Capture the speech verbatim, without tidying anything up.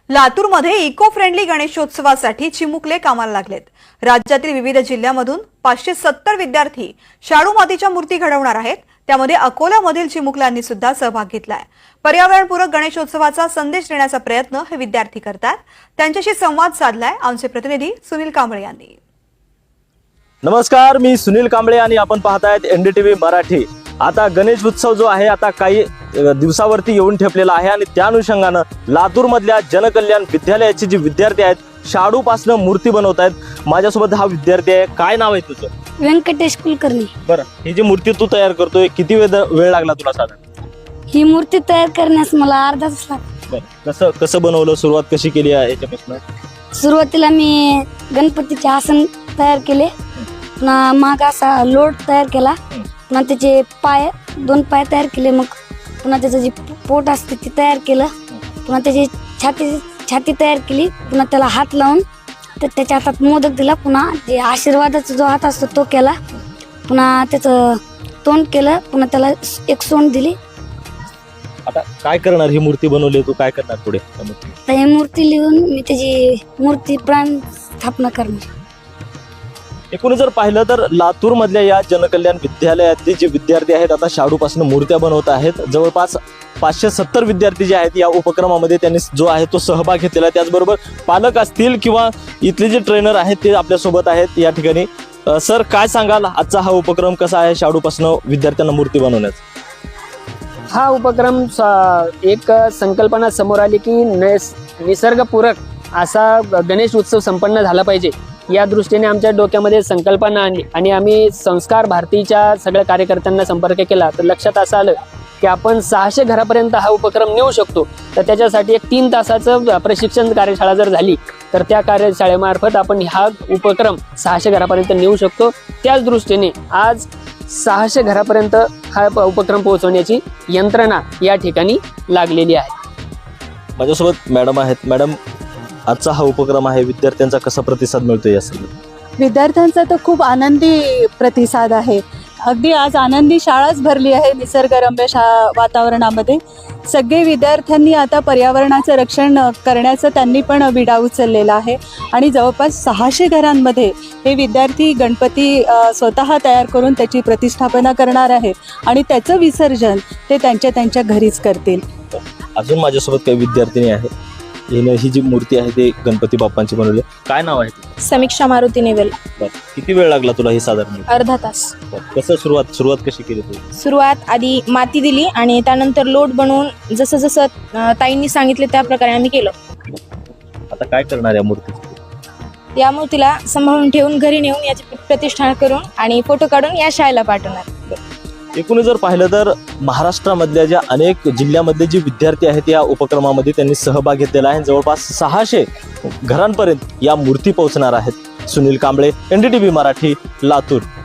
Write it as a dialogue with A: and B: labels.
A: लातूरमध्ये eco friendly गणेशोत्सवासाठी चिमुकले कामाला लागलेत। राज्यातील विविध जिल्ह्यांमधून पाचशे सत्तर विद्यार्थी शाडू मातीच्या मूर्ती घडवणार आहेत। त्यामध्ये अकोल्यामधील चिमुकल्यांनी सुद्धा सहभाग घेतलाय। पर्यावरणपूरक गणेशोत्सवाचा संदेश देण्याचा प्रयत्न हे विद्यार्थी करतात। त्यांच्याशी संवाद साधलाय आमचे प्रतिनिधी सुनील कांबळे यांनी।
B: नमस्कार, मी सुनील कांबळे आणि आपण पाहतायत एनडीटीव्ही मराठी। आता गणेश उत्सव जो आहे आता काही दिवसावरती येऊन ठेपलेला आहे आणि त्या अनुषंगाने लातूर मधल्या जनकल्याण विद्यालयाचे जे विद्यार्थी आहेत शाडू पासून मूर्ती बनवत आहेत। माझ्यासोबत हा विद्यार्थी आहे, काय नाव आहे तुझं?
C: व्यंकटेश कुलकर्णी।
B: बरं, ही जी मूर्ती तू तयार करतोय किती वेळ वेळ लागला तुला साधारण?
C: ही मूर्ती तयार करण्यास मला अर्धा तास लागला।
B: बरं, कसं कसं बनवलं, सुरुवात कशी केली आहे याच्यापासून?
C: सुरुवातीला मी गणपतीचे आसन तयार केले, पुन्हा माग असा लोट तयार केला, पुन्हा त्याचे पाय दोन पाय तयार केले, मग पुन्हा त्याचं जे पोट असते ते तयार केलं, पुन्हा त्याची छाती छाती तयार केली, पुन्हा त्याला हात लावून तर त्याच्या हातात मोदक दिला, पुन्हा जे आशीर्वादाचा जो हात असतो तो केला, पुन्हा त्याचं तोंड केलं, पुन्हा त्याला एक सोंड दिली।
B: आता काय करणार? ही मूर्ती बनवली तू, काय करणार पुढे?
C: तर ही मूर्ती लिहून मी त्याची मूर्ती प्राण स्थापना करणार।
B: एकूण जर पाहिलं तर लातूर मधल्या या जनकल्याण विद्यालयातले जे विद्यार्थी आहेत आता शाडू पासून मूर्त्या बनवत आहेत। जवळपास पाचशे सत्तर विद्यार्थी जे आहेत या उपक्रमामध्ये त्यांनी जो आहे तो सहभाग घेतलेला आहे। त्याचबरोबर पालक असतील किंवा इथले जे ट्रेनर आहेत ते आपल्या सोबत आहेत या ठिकाणी। सर, काय सांगाल, आजचा हा उपक्रम कसा आहे शाडू पासून विद्यार्थ्यांना मूर्ती बनवण्याचा?
D: हा उपक्रम एक संकल्पना समोर आली की निसर्गपूरक असा गणेश उत्सव संपन्न झाला पाहिजे, या दृष्टीने आमच्या डोक्यामध्ये संकल्पना आणली आणि आम्ही संस्कार भारतीच्या सगळ्या कार्यकर्त्यांना संपर्क केला। तर लक्षात असं आलं की आपण सहाशे घरापर्यंत हा उपक्रम नेऊ शकतो। तर त्याच्यासाठी एक तीन तासाचं प्रशिक्षण कार्यशाळा जर झाली तर त्या कार्यशाळेमार्फत आपण हा उपक्रम सहाशे घरापर्यंत नेऊ शकतो। त्याच दृष्टीने आज सहाशे घरापर्यंत हा उपक्रम पोहोचवण्याची यंत्रणा या ठिकाणी लागलेली आहे।
B: माझ्यासोबत मॅडम आहेत। मॅडम, आजचा हा उपक्रम आहे, विद्यार्थ्यांचा कसा प्रतिसाद मिळतो या सगळं?
E: विद्यार्थ्यांचा तर खूप आनंदी प्रतिसाद आहे। अगदी आज आनंदी शाळाच भरली आहे निसर्गरम्य शा वातावरणामध्ये। सगळे विद्यार्थ्यांनी आता पर्यावरणाचं रक्षण करण्याचं त्यांनी पण विडा उचललेला आहे आणि जवळपास सहाशे घरांमध्ये हे विद्यार्थी गणपती स्वतः तयार करून त्याची प्रतिष्ठापना करणार आहेत आणि त्याचं विसर्जन ते त्यांच्या त्यांच्या घरीच करतील।
B: अजून माझ्यासोबत काही विद्यार्थिनी आहेत, हिने ही जी मूर्ती आहे ते गणपती बाप्पांची बनवली। काय नाव आहे?
F: समीक्षा मारुती नेवेल।
B: किती वेळ लागला तुला हे साधारण?
F: अर्धा तास।
B: कसं सुरुवात सुरुवात कशी केली तू?
F: सुरुवात आधी माती दिली आणि त्यानंतर लोट बनवून जसं जसं ताईंनी सांगितले त्या प्रकारे आम्ही केलं।
B: आता काय करणार या मूर्ती?
F: या मूर्तीला सांभाळून ठेवून घरी नेऊन याची प्रतिष्ठा करून आणि फोटो काढून या शाळेला पाठवणार।
B: एकूण जर पाहिलं तर महाराष्ट्रामधल्या ज्या अनेक जिल्ह्यामधले जे विद्यार्थी आहेत या उपक्रमामध्ये त्यांनी सहभाग घेतलेला आहे। जवळपास सहाशे घरांपर्यंत या मूर्ती पोहोचणार आहेत। सुनील कांबळे, एनडीटीव्ही मराठी, लातूर।